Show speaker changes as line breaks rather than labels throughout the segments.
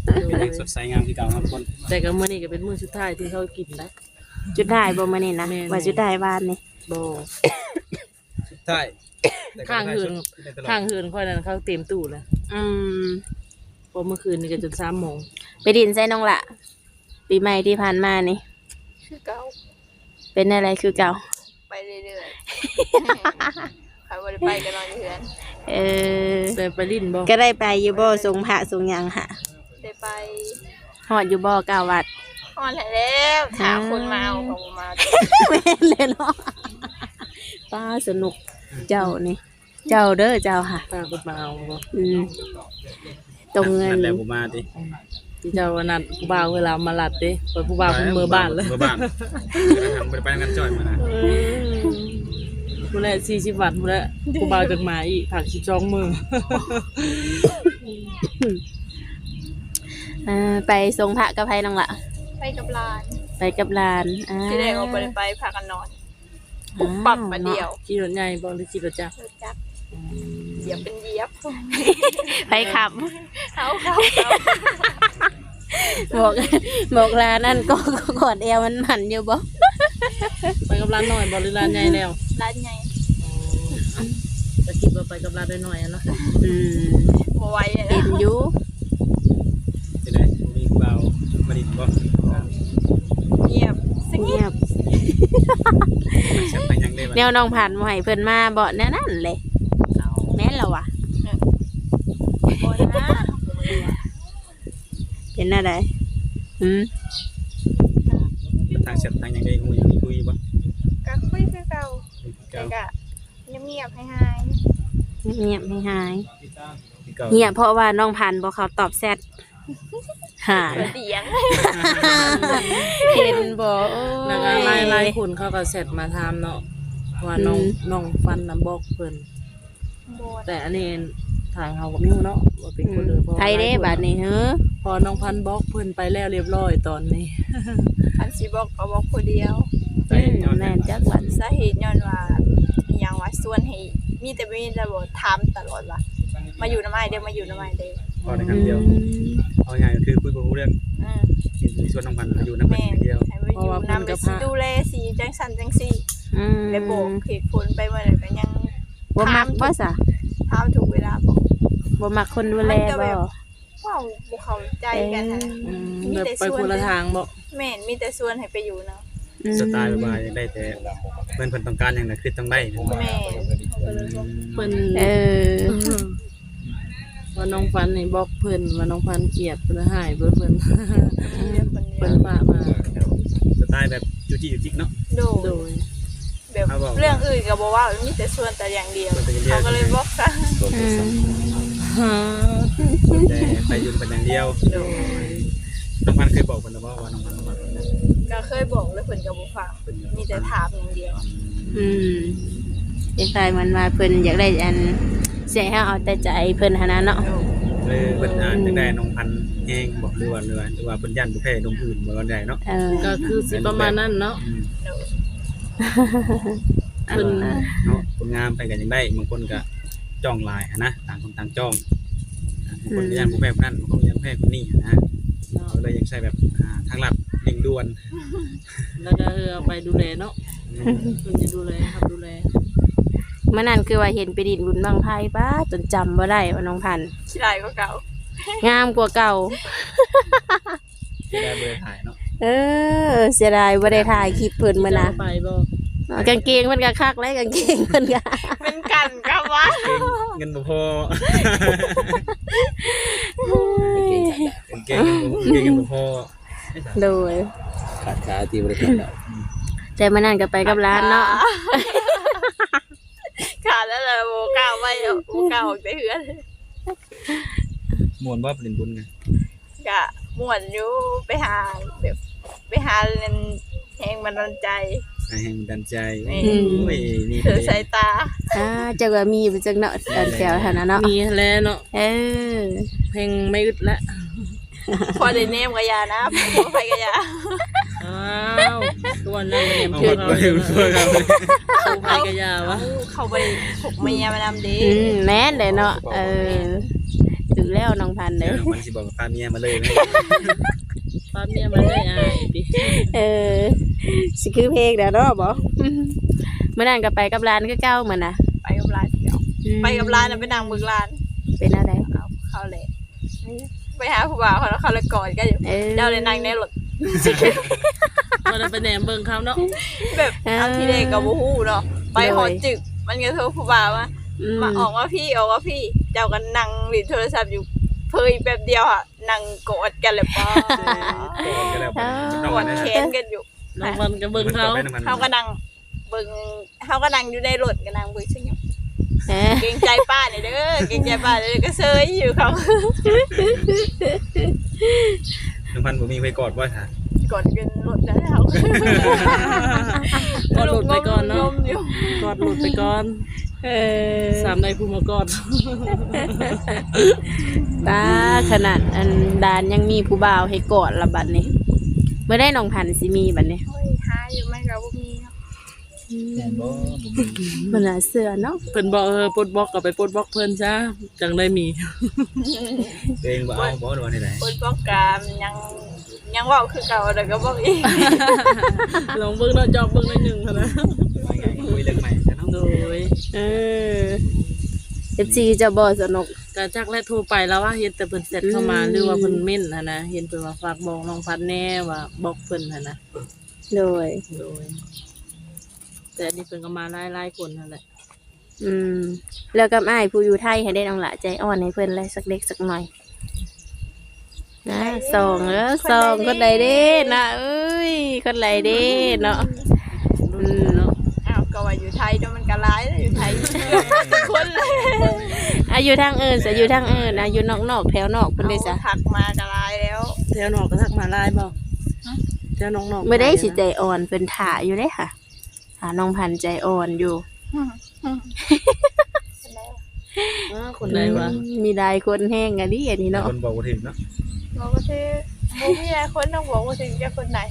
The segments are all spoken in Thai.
เป็นยังสดใสงามที่เก่าครับคน
แต่ก็มื้อนี้ก็เป็นมื้อสุดท้ายที่เขากินนะ
จุดได้บ่มื้อนี้นะ
แม่น
ว่าจุดได้บ้านนี่
บ่
ใช่
ข้างหืนค่อยนั้นเขาเต็มตู้แล้ว
อืม
พอเมื่อคืนนี่ก็จน3 โมง
ไปดินใส่น้องละปีใหม่ที่ผ่านมานี่
คือเก่า
เป็นอะไรคือเก่า
ไปเรื่อยๆใครบ่ได้ไปก็นอนอยู่เฮือน
เออ
แต่ไปลิ้นบ่
ก็ได้ไปอยู่บ่ทรงพระทรงหยังหะ
ได้ไป
ฮอดอยู่บ่เก้าวัด
ฮอดแล้วถามคนมาเอาก็บ่มา
แม่นเลยเนาะป้าสนุกเจ้านี่ เจ้าเด้อเจ้าค่ะ
ป้าก็มาเอาบ่
อืมตรงเงิน
นั่นแหละผมมาดิ
ที่เจ้าว่านัดผู้บ่าวเวลามาลัดเด้เปิดผู้บ่าวเพิ่นมือบ้านแล้ว
เมื่อบ้านทำไปงานจ่อยมานะ
ผู้แรก40 บาทผู้แรกผู้บ่าวจักมาอีกผัก12 มื้อ
ไปทรงพระกับไผน้องละ
ไปกับหลาน
ไปกับหลาน
ที่แรกเอาบ่ได้ไปพากันนอนปุ๊บปับมาเดียว
ขี่รถใหญ่บ่หรือขี่รถจักร
รถจักรเหยียบเป็นเหยียบ
ไปขับ
เขา
บอกลานั่นก็กอดเอวมันหมันอยู่บ่
ไปกับร้านน้อยบ่หรือร้านใหญ่แล้ว
ร้านใหญ่
จะคิดว่าไปกับร้านน้อยๆอะเนาะ
อืม
บ่ไหวเลย
เห็
นะ
นอยู่
ที่ไหนมีเบามาดิบ่
เงียบสัก
เงี
เงีย
ย
บบ
ฉันไปยังได้
แนวน้องผ่านมาให้เพิ่นมาบ่แน่นั่นเลยแม่นแล้ววะ
บ่นะ
เป็นอะไรอืม
ทางเสร็จทางยังได้คุยบ่
ก็คุยคือเก่าแต่ก็เงียบๆให้หาย
เงียบไม่หาย
เก่า
เงียบเพราะว่าน้องผ่านบ่เขาตอบแชทหาย
เสียง
เห็นบ่โอ้
แล้วก็หลายๆคนเขาก็เสร็จมาถามเนาะว่าน้องฟันน่ะบอกเพิ่น
โบน
แต่อันนี้ทางเขาก็ไม่รู้เนาะว่าเป็นคนอื่นเพราะ
ไทยเด้บัดนี้เฮ้อ
พอน้องพันบอกเพิ่นไปแล้วเรียบร้อยตอนนี้
อันสิบอกก็บอกคนเดียว
แม่นจักบัด
สาเหตุย้อนว่าอหย่างว่าส่วนให้มีแต่ระบบถามตลอดว่ามาอยู่น้ำไม้เด้อมาอยู่น้ำไม้เด้อ
พอในครั้งเดียวเอาง่ายก็คือคุยกับรู้เรื่อง
อืม
มีส่วนน้องพันอยู่น้ำเป็น
แม่
เดียว
ให้มาอยู่น้ำไปสิดูแลสิจังสันจังซี่
อืม
ได้บอกเหตุผลไปเมื่อไหร่ก็ยัง
บ่มักบ่ซะ
ถามถูกเวลาบอก
บ่มักคนดูแลบ่
ว้าวบ่เข้าใจกันนะ
แบบไปคนละทางบ่
แม่นมีแต่ส่วนให้ไปอยู่เนาะ
สไตล์บายได้แต่เพื่อนต้องการอย่างนั้นคือต้องได้
แม่
เพิ่น
เออ
ว่าน้องฟันนี่บอกเพิ่นว่าน้องพันเกลียดเพิ่นหายเพิ่น
มีแต่คนเดี
เพิ่
ย
น
ว
ฝากมา
สไตล์แบบจุจิจุจิเนาะ
โด
โด
ย
ย
แบบเรื่องอื่นก็บอกว่ามีแต่ส่วนแต่อย่างเดียวเขาก็เลยบอกซะ
อืม
แต่ไปยืนเป็นอย่างเดียว
โดย
น้องพันเคยบอกคนนะว่าน้องพัน
ก็เคยบอกแล้วเพิ่นก็บ่ฟังมีแต่ถามอย่างเดียว
อืมคล้ายๆมันว่าเพิ่นอยากได้อันเสียให้เอาแต่ใจเพิ่นหั่นน่ะเนาะ
เลยเป็นอ่านได้น้องพันเองบอกหรือว่าเป็นยันบุเพนมอื่นบ่วันใดเนาะ
เออ
ก็คือสิประมาณนั้นเนาะ
โดย
เพิ่น
เนาะคนงามไปกันยังได้บางคนก็จ้องลายนะต่างคนต่างจ้องคนยันบุเพคนนั้นคนยันบุเพคนนี้นะเลยยังใช้แบบทางลัดเร่งด่วน
แล้วก็เอาไปดูแลเนาะเพิ่นจะดูแลครับดูแล
เมื่อนั้นคือว่าเห็นไปดินบุญบางไพป้าจนจำบ่ได้ว่าน้องพันธุ์
ขี้ลายก็เก่าง
ามกว่าเก่า
ที่ได้เบอร์ถ่ายเนาะ
เออเสียดายบ่ได้ถ่ายคลิปเพิ่นมื้อนะ
จะไปบ่
กางเกงมันก็คักแล้วกางเกงมันก็
เป็นกันครับวะ
เงินบ่พอเก่งเงินบ่พอ
โดย
ขาดขาที่บริษัทเรา
แต่มื้อนั้นก็ไปกับร้านเนาะ
ขาดแล้วเลยโบกล้าไปโบกล้าออกไปเฮือน
มวนว่าเป็นบุญไง
กะม่วนอยู่ไปหาแบบไปหาเล่นแหงบันดาลใจ
ให้มันดันใจ
นี่
โอ้ยนี่
เธอสายตา
จักว่ามีอยู่จักเนาะตอนแถวหั่นน่ะเนาะ
มีแล้วเนาะ
เออ
เพลงไม่อึดละ
พอได้เนมกับยานะพอไปกับยา
อ้าวตัวนั้นเนี่ย
เอา
เพิ่น
ไปด้วยครับ
เอาไปกะยาวะ
เขาไปถกเมียมานำดี
แม่นเลยเนาะเออดูถือแล้วน้องพันธุ์
เดี๋
เด้
ยว
อ
มันสิบอกกับพาเมียมาเลยนะ
ป้าเมียมาได้อายติ
เออสิคือเพลงเด้อเนาะบ่ เมื่อนั้นก็ไปกับร้านคือเก่าเหมือนน่ะ
ไปกับร้านเดียวไปกับร้านน่ะไปนั่งเบิ่งร้าน
เป็นอะไร
เอาเข้าเลยไปหาผู้บ่าวเขาแล้วเขาเลยกอดกันอยู่
เออ
เจ้าเลยนั่งในรถ
บ่ได้ไปแหนมเบิ่งเขาเนาะ
แบบเอาที่เด็กกับบูฮู้เนาะไปหอจึกมันก็โทรผู้บ่าวมาออกว่าพี่เจ้ากันนั่งหลินโทรศัพท์อยู่เพยแบบเดียวอ่ะนั่งกอดกันเลยป้า
ก็แล้วไป
กอดแขนกันอยู่
น้องวันก็เบิ่งเขา
เขาก็นั่งเบิ่งเขาก็นั่งอยู่ในรถก็นั่งเบิ่งซึ่งอยู่
เออ
เกรงใจป้าเนี่ยเด้อเกรงใจป้าเลยก็เซยอยู่เขา
น้องพันธุ์บ่มีไปกอดบ่ซะ
กอดกันรถแล้วเขา
กอดหลุดไปก่อนเนาะ
งมอยู่
กอดหลุดไปก่อน
เออ
สามในผู้มากอด
ตาขนาดอันดานยังมีผู้บ่าวให้กอดละบัดนี้เมื่อได้น้องพันธุ์สิมีบัดนี้
โอ้ยหาอยู่ไม่ก็บ่มีเนาะ
แม่นบ่บ่มี
มันน่าเสือเนาะ
เพิ่นบอกปลดบล็อกก็ไปปลดบล็อกเพิ่นจ้าจังได้มี
ตัวเองบ่เอาบ่โดนที่ไหน
คนป้องกามยังเว้าคือเก่าแต่ก็บอกอีก
ลองเบิ่งเนาะจอบเบิ่งหน่อยหนึงเท่านั้น
ว่าไงคุยเรื่องใหม่ซะเนาะ
โดย
เออ FC จะบ่สนุก
กะจักและโทรไปแล้วว่าเห็นแต่เพิ่นเสร็จเข้ามาหรือว่าเพิ่นเม่นหั่นนะเห็นเพิ่นว่าฝากบอกน้องพัดแน่ว่าบอกเพิ่นหั่นนะ
โดย
โดยแต่อันนี้เพิ่นก็มาหลายๆคนนั่นแหละ
แล้วกับอ้ายผู้อยู่ไทยให้ได้น้องละใจอ่อนให้เพิ่นเลยสักเล็กสักหน่อยนะส่งแล้วส่งคนใดเด้นะเอ้ยคนใดเด้เนาะ
เนาะ
อ้าวก็ว่าอยู่ไทยเนาะมันก็ร้ายแล้วอยู่ไทยคนเลย
อายุทางอื่นจะอยู่ทางอื่นอายุนอกๆแถวนอกเพิ่นได้จ้ะ
ทักมาก็ร้ายแล้ว
แถวนอกก็ทักมาหลายบ่แถวนอกๆ
ไม่ได้สิใจอ่อนเพิ่นถ่าอยู่เด้ค่ะถ่าน้องพันธุ์ใจอ่อนอยู่
คนใดวะ
มีหลายคนแห้งอันนี้อันนี้เนาะ
คนบอกบ่ถึงเนาะ
บอกว่าที่บ่มีหลายคนต้องบอกว่าถึงจะคนไหน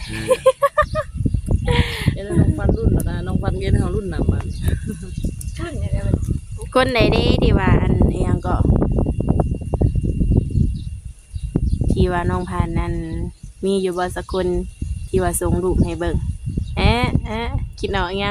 เอ็นน้องฟันรุ่นแล้วนะน้องฟันเอ็นเฮารุ่นนำมัน
รุ่นอย่างเงี้ยมัน
คนใดเด้ที่ว่าอันอิหยังก็ ที่ว่าน้องพันธุ์นั้นมีอยู่บ่สักคนที่ว่าส่งรูปให้เบิ่งคิดออกยัง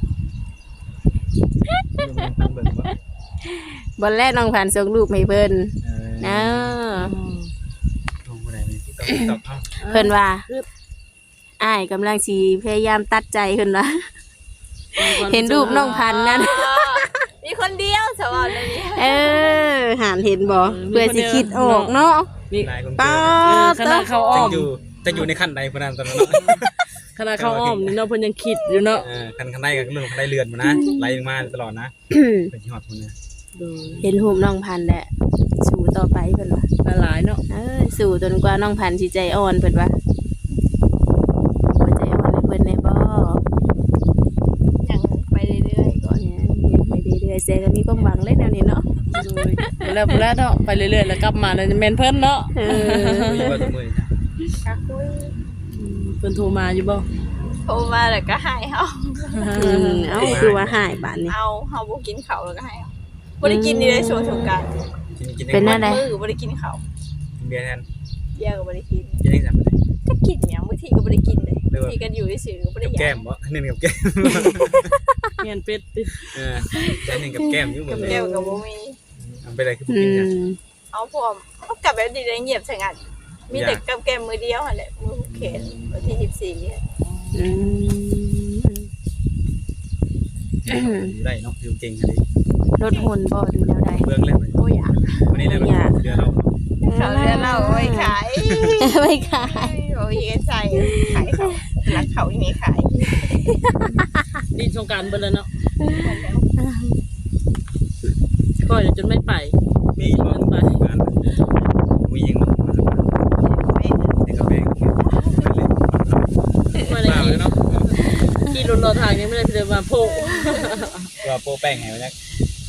เบิ่งว่า
บนแรกน้องพันธุ์ส่งรูปให้เพิ่นนะ
ลงบ่ได้มีที่ตอบเฮา
เพิ่นว่าอ้ายกำลังสิพยายามตัดใจเพิ่นว่า เห็นรูปน้องพันธุ์นั้น
มีคนเดียวสวัสดี
หานเห็นบ่เพื่อสิคิดออกเนาะ
นี่
หลายคน
ป้า
ขนาดเขาอ้อม
จะอยู่ในขั้นใดพุ่นนั้นตอนนั้นเนาะ
ขนาดเขาอ้อมนี่เนาะเพิ่นยังคิดอยู่เนาะ
คันใดก็เรื่องคันใดเรือนมานะไล่มาตลอดนะเป็นที่ฮอดพุ่นนะ
ดู
เห็นรูปน้องพันธุ์แหละสู้ต่อไปเพิ่นว่า
หลายเนาะ
สู้จนกว่าน้องพันธุ์สิใจอ่อนเพิ่นว่าบ่ใจอ่อนให้เพิ่นได้บ่
ยังไปเรื่อยๆก่อน
เนี่ยเฮ็ดไปเรื่อยๆเสียก็มีความหวังเลยแนวนี้เนาะ
ดูแล้วพุ่นแล้วเนาะไปเรื่อยๆแล้วกลับมาแล้วแม่นเพิ่นเนาะ
มีว่าตัวมือจ้ะ
ก็คุย
เพิ่นโทรมาอยู่บ่
โทรมาแล้วก็ให้เฮา
เอ้าคือว่าหายบาดนี้
เอาเฮาบ่กินข้าวแล้วก็ให้เฮาบ่ได้กินนี่เลยช่วงสงกรานต์
กิน
เป็นหน้า
มื้อบ่ได้กินข้าว
เบียร์แทน
เบียร์ก็บ่ได้กิน
กินได้จังได๋
ก็กินหยังบางทีก็บ่ได้กินเลยบางทีก็อยู่ซื่อๆก็บ่ได้
กับ
ห
แก้
ยั
ม
ง
บ่เน้นกับแก้ม
เฮียนเป็ดติ
ได้เน้นกับแก้มอยู่เหมือน
แก้วก็บ่มี
เอาไปได้คือบ่กินจ้ะ
เอาพร้อมเอากลับแบบดีได้เงียบสงัดมีแต่กับแก้มมือเดียวหั่นแหละมือผูกแขนวันที่14อะ
อืม
ได้เนาะอยู่เก่งกันดิ
ลดหุ่นบ่ดูแนวใด
เบื้องแล้ว
โอ้ยอยาก
วันนี้แล้วเดือนเรา
เขาเรียนเราเอาไว้ขาย
ไม่ขาย
โอ้ยใส่ขายเขารักเขาอย่างนี้ขาย
นี่สงกรานต์เบิ่นแล้วเนาะก็เดี๋ยวจนไม่ไป
มีบ่งานมียังบ่ได้กับแม่
มาได้
มา
ขี่
แล้วเนาะ
ขี่รถรอทางยังไม่ได้เดินมาโพก
ว่าโปแป้งให้ไว้นะ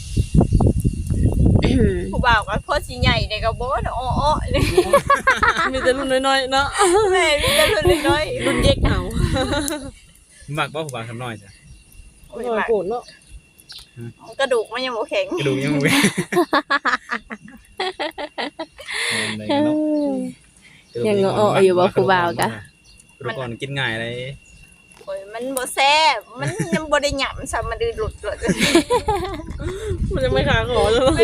ผู้บ่าวก็โคตรสิใหญ่เลยก็บ่อ้อๆเลย
มีแต่รุ่นน้อยๆเนาะ
แม่มีแต่รุ่นน้อย
รุ่นเย็กเอา
มักบ่ผู้บ่าวทำน้อยจ้ะ
โอ้ย
น้อย
มาก
โกรธเนาะ
กระดูกมันยังบ่แข็ง
กระดูกยังบ่ได้
เอ้
เนาะ
ย ยังอ้ออยู่บ่ครูบ่าวกะ
ครูก่อนกินง่ายเลย
โอ้ยมันบ่แซ่บมันยังบ่ได้หยังซะมันดื้อหลุด
มันจะไม่ขาขอแล้ว
แม่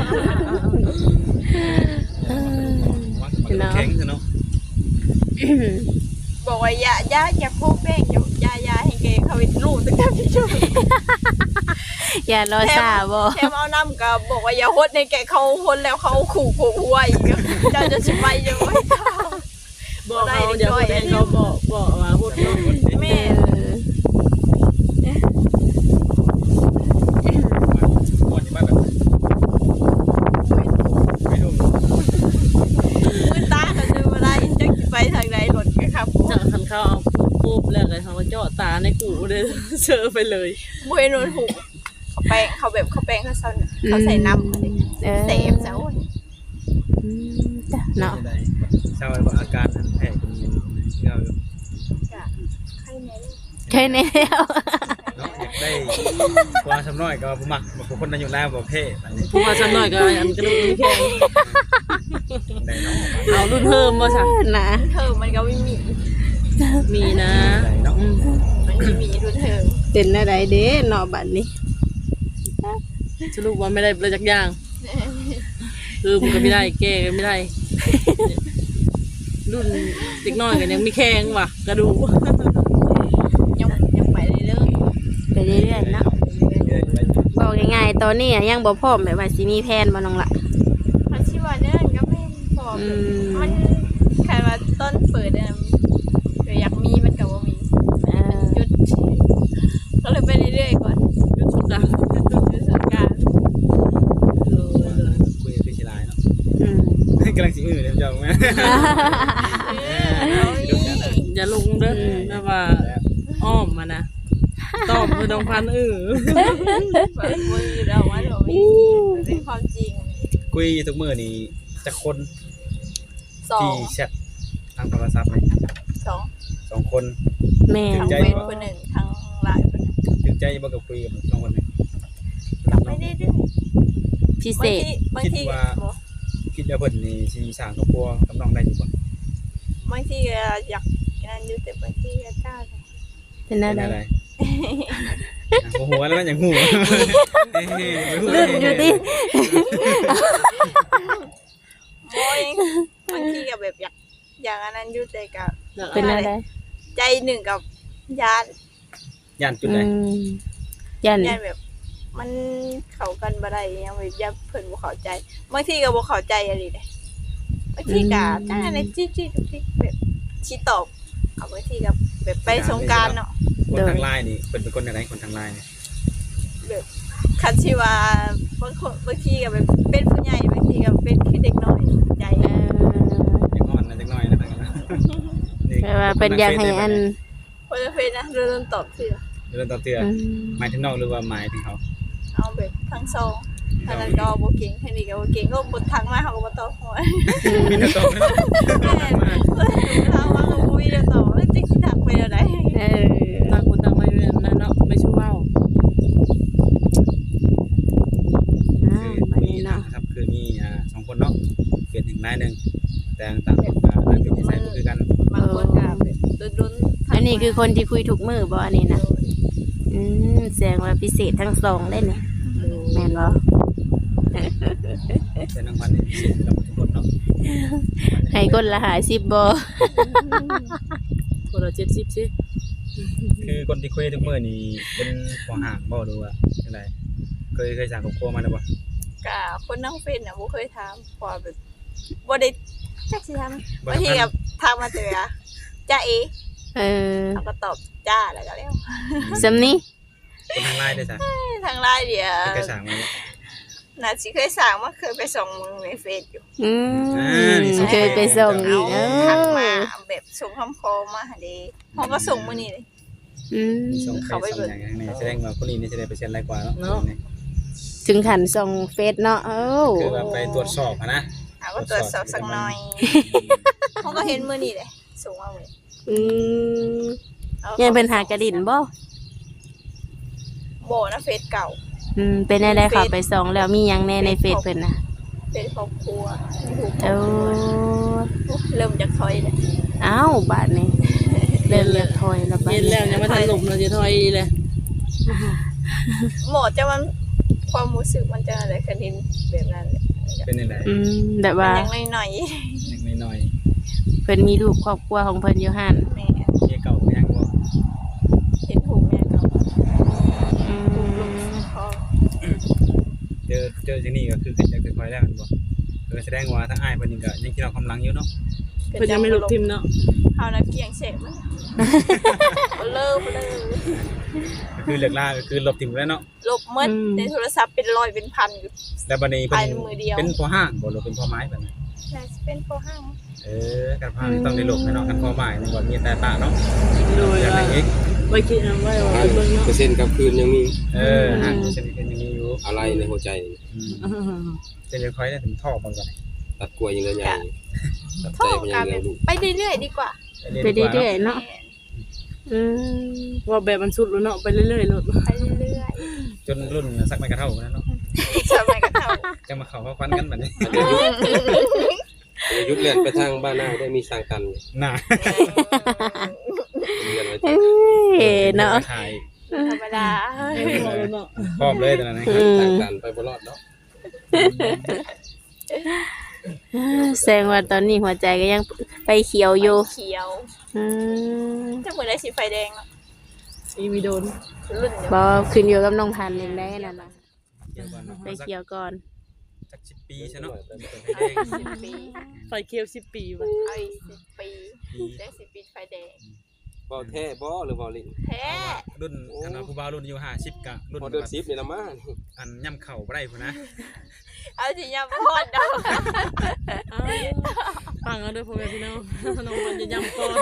มันก็แข็งซะเนาะ
บอกว่าอย่าโคกแป้งอย่าให้แกเขาไปรูปตั้งแต่พี่ช่วย
อย่ารอซาบ่
แถมเอาน้ำก็บอกว่าอย่าฮดในแกเขาฮดแล้วเขาขู่หัวอีกเจ้าจะสิไปยังไง
บอกเขาเดี๋ยวคนเองเขาบอกว่าพูดเนาะ
แม่
ก่อนที่บ้านแบบไม่รู้
มือตาเขาจะมาได้จะไปทางไหนหล่นกันครับ
จากคันเขาเอาปุ๊บแล้วเลยเขาก็เจาะตาในกูเลยเจอไปเลย
บุยนนหูเขาแป้งเขาใส่น้ำอะไรเสพเจ้า
จ้ะเนาะ
เศร้าแล้วอาการแพ้เป็นยังเงา
ใครไหน
ใช่แล้ว
เนาะอยากได้ความสำน้อยก็บ่มักบางคนนั้นอยู่แล้วบ่เพ่อันนี้
ผู้มาซ้ำหน่อยก็อันกระดูกแข็ง
ได้เนาะ
เอารุ่นเพิ่มมาจ้ะ
นะ
เธอมันก็ไม่มี
มีนะ
ได้เนาะ
มันไม่มีดูเธอ
เป็นอะไรเด้เนาะบัดนี้
สรุปว่าไม่ได้เลยจักอย่างคือมันก็ไม่ได้แก้ก็ไม่ได้ รุ่นเด็กน้อยกันยังไม่แข็งว่ะกระดูก
ยังไปเรื่อย
ไปเรื่อยๆเนาะบอกง่ายๆตอนนี้อะยังบ่พร้อมแบบว่าสิมีแผนบ่น้องละ
ๆมันชื่อว่าเนี่ยก็เป็นพอมันใครว่าต้นเปิดเนี่ยอยากมีมันกับว่ามี หยุดก็เลยไปเรื่อยๆก่อน
ยุดสุดดัง
หยุดสงกรานต์
คุยกับพี่ลายเนาะ
อืม
กำลังสิอื้อเดี๋ยวจะแม่
อย่าลงเด้อนะว่าอ้อมมานะตอบคือน้องพัน
มื
ธุ์
อเราว่าเราไม่เป็นความจริง
คุยทุกมื้อนี่จะคน
สอ
ที่
ง
แชททางโทรศัพท์เลย
สอง
2 คน
แม่
ทั้งเฟซคนหนึ่งทั้งไลน์คนหนึ่ง
ถึงใจบ่กับคุยกับ2คนนี้
ไม่ได้ดื้อ
พิเศษ
บางที
คิดว่าเพิ่นนี่สิสร้างครอบครัวกับน้องได้อยู่บ่
บางทีอยากนั่นอยู่แต่บางทีก็กล้า
เป็น
เป็
อะ
น
ไร
อะไรโอ้โหแล้วมันอย่างหู
ลื่นอยู่ดิ
โอ้ยบางทีก็แบบอยากอันนั้นอยู่แต่กับ
เป็นอะไร
ใจหนึ่งกับญาติ
ย่านจุด
อื
ใด
มยัน
ญาติแบบ มันเข้ากันบ่ได้ยังแบบญาติเพิ่นบ่เข้าใจบางทีก็บ่เข้าใจอะไรเด้บางทีก็จังอันนั้นจี้ๆทุกทีแบบชี้ตอบเอาบางทีก็แบบไปสงกรานต์เนาะ
คนทางไลน์นี่เป็นคนอะไรคนทางไลน์นี่
แบบคันที่ว่าบางคนบางทีก็แบบเป็นผู้ใหญ่บางทีก็เป็นคือเด็กน้อยใจ
เออ
ยังอ่อนนะจักหน่อยนะนี่
แปลว่าเป็นอยากให้อัน
คนละเฟซนะเริ่มตอบสิ
เรื่องต่อเตือ
อืม
หมายถึงนอกหรือว่าหมายถึงเขา
เอาแบบทั้งสองทางนั้นก็บ่เก่งทางนี้ก็บ่เก่งก็บ่ทักมาเขาก็บ่ตอบหัว
มีแต่ตอบนะ
แม่เราว่าก็บ่มีเดี๋ยวตอบแล้วจะสิทักไปเดี๋ยวใด
เออ
ต่างคนต่างไม่เป็นนั่นเนาะไม่ชู้เว้า
บัดนี้เนาะ
ครับคือมี2คนเนาะเปลี่ยนถึงนายนึงแต่ต่างคนต่างเป็นนิสัยบ่คือกัน
บางคนก็แบบดุนๆ
อันนี้คือคนที่คุยทุกมื้อบ่อันนี้นะอืมแสดงว่าพิเศษทั้งสองได้เนี่ยแม่นบ่
แต่นางพันนี่พิเศษกับทุกคนเนาะ
ให้คนละ50บ่
คนละ70สิ
คือคนที่คุยทุกมื้อนี่เป็นหัวห่างบ่หรือว่าจังไดเคยสร้างครอบครัวมาแล้วบ่
ก็คนนั่งเฟซน่ะบ่เคยถามเพราะว่าแบบบ่ได้จักสิถามบางทีก็ถามมาเจอจ้าเอ
เออ
เขาก็ตอบจ้าแล้วก็แล้ว
สำนี้
คนทางไลน์ได้จ้ะ
ทางไลน์เดี๋ยว
เคยสร้างมา
น่าสิเคยสั่งมาเคยไปส่งมึงในเฟซอยู่
อืมเคยไปส่งอีกเอ
ทักมา
อ
แบบส่งคำคอมาหาเด้เขาก็ส่งมื้อนี้เลย
อืม
ส่งไปส่งอย่างนี้แสดงว่าคนนี้นี่จะได้เปอร์เซ็นต์หลายกว่าเนาะ
ถึงขันส่งเฟซเนาะเอ้า
คือว่าไปตรวจสอบนะ
เอาก็ตรวจสอบสักหน่อยเขาก็เห็นมื้อนี้เลยส่งมามื้อ
อืมยังเป็นหากระดิ่นบ่
บ่นะเฟซเก่า
อืมเป็นอะไรค่ะไปส่งแล้วมีหยังแน่ในเฟซเพิ่นน่ะ
เป็นครอบครัวมีหู
โอ้
เริ่มจากถอยเลย
อ้าวบาดนี้เริ่มอยากถอยแล้วบาด
เห็น
นี้
แล้วยังไม่ทันหลบเราจะถอยเลย
หมอจะมันความรู้สึกมันจะอะไรคันเห็นแบบนั้นเลย
เป็นยังไง
แบบ
มั
ว่าน
ยังหน่อย
ยังน้อย
เพิ่นมีลูกครอบครัวของเพิ่นอยู่หั่น
ๆแม่
ๆเมียเก่าก็ยังบ่
เห็นหูแม่ก็
อืม
พอ
เจอจังนี้ก็คือขึ้นจากค่อยๆแล้วมันบ่แสดงว่าทั้งอ้ายเพิ่นนี่ก็ยังคิดเอากำลังอยู่เนาะ
เพิ่นยังไม่หลบทิมเนาะ
เอานะเพียงเสกมันเลิกเลย
ก็คือเลิกลาก็คือลบทิ้งไปแล้วเนาะ
ลบหมดในโทรศัพท์เป็นร้อยเป็นพันอยู่
แล้วบัดนี้เพิ่
ภายในมือเดียว
เป็นพอห้างบ่หรือเป็นพอไม้แบบนั้น
น่าจะเป็นพอห้าง
การพานี่ต้องได้ลบแน่เนาะกันพอไม้นี่บ่มีแต่ตาเนาะ
โดย
อย่าง
ว่า
ไรอีก
ไว้คิดเอาไว้ว่า
ห้า
เบิ่งเนาะ
เปอร์เซ็นต์กลางคืนยังมี
ห่างเส้นเป็นอย่างนี้อยู่
อะไรในหัวใจนี่
เส้นค่อยๆได้ถึงท่อมันก่อน
ตัดกล้วยยังเลยใหญ่ตัด
โท
ใจ
ษ
มันยั
กาง ร
เลี้ยงลูก
ไปเรื่อยๆดีกว่า
ไปเรื่อยๆเนาะ
แม่
อืม
ว่าแบบมันสุดแล้วเนาะไปเรื่อยๆโลด
ไปเรื่อย
จนรุ่นสักไม่กระเท่านั้นเนาะ
ๆสมัยก็เท่า
จะมาเข้าฟันกันแบบนี้
อายุเลื่อนไปทางบ้านหน้าได้มีสร้างกัน
น่า
เรียนไว้
เอ้ยเนาะ
ถ่าย
ธรรมดา
เนาะ
พร้อมเลยตอนนั้นนะ
สร้างกันไปบ่รอดเนาะ
แสดงว่าตอนนี้หัวใจก็ยังไปเขียวอยู่
เขียว
อืม
ถ้าเหมือนได้สีไฟแดงเนาะ
อีวีโดน
รุ่นเดียว
บ่ขึ้นอยู่กับน้องพันธุ์เองได้นั่นน่ะ
เกี่ยวกัน
ไปเขียวก่อน
สัก10 ปีใช่เนาะ
เอาอีก10 ปี
ไฟเคียว10 ปีว่ะ
เอาอีก10 ปีได้10 ปีไฟแดง
บ่แท้บ่หรือบ่ลิ้น
แท้
รุ่นอันผู้บ่าวรุ่นอายุ50กะรุ่น
พอเดือน10นี่ละมา
อันย่ำเข่าบ่ได้พุ่นนะ
เอาสิยำพอดดอก
อ้าวฟังเอาเด้อพ่อแม่พี่น้องน้องมันจะย้ำก่อน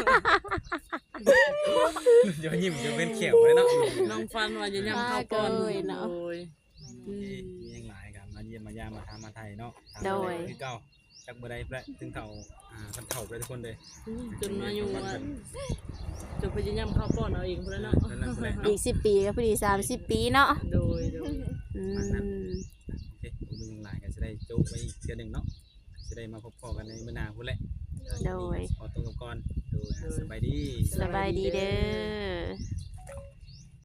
เดี๋ยวยิ้มเดี๋ยวเป็นเขียวเลยเนาะ
น้องฟันว่าจะย้ำเข้าก่อนโดย
มียังหลายกันมาเยี่ยมมายามมาทำมาไทยเนาะคือเก่าจากเมื่อใดแหละถึงเก่าท่านเข่าไปทุกคนเลย
จนมาอยู่ว่าจะพยายามเข้าก่อนเอาเองพุ่นแล้วเนาะ
อีก10 ปีก็พอดี30 ปีเนาะ
โดย
อืม
โอเคผมมียังหลายกันจะได้โจ๊กไปอีกเทื่อหนึ่งเนาะจะได้มาพบพอกันในเมื่อนาพุ่นแหละขอตัวกับก่อนดูสบายดี
สบายดีเด้อ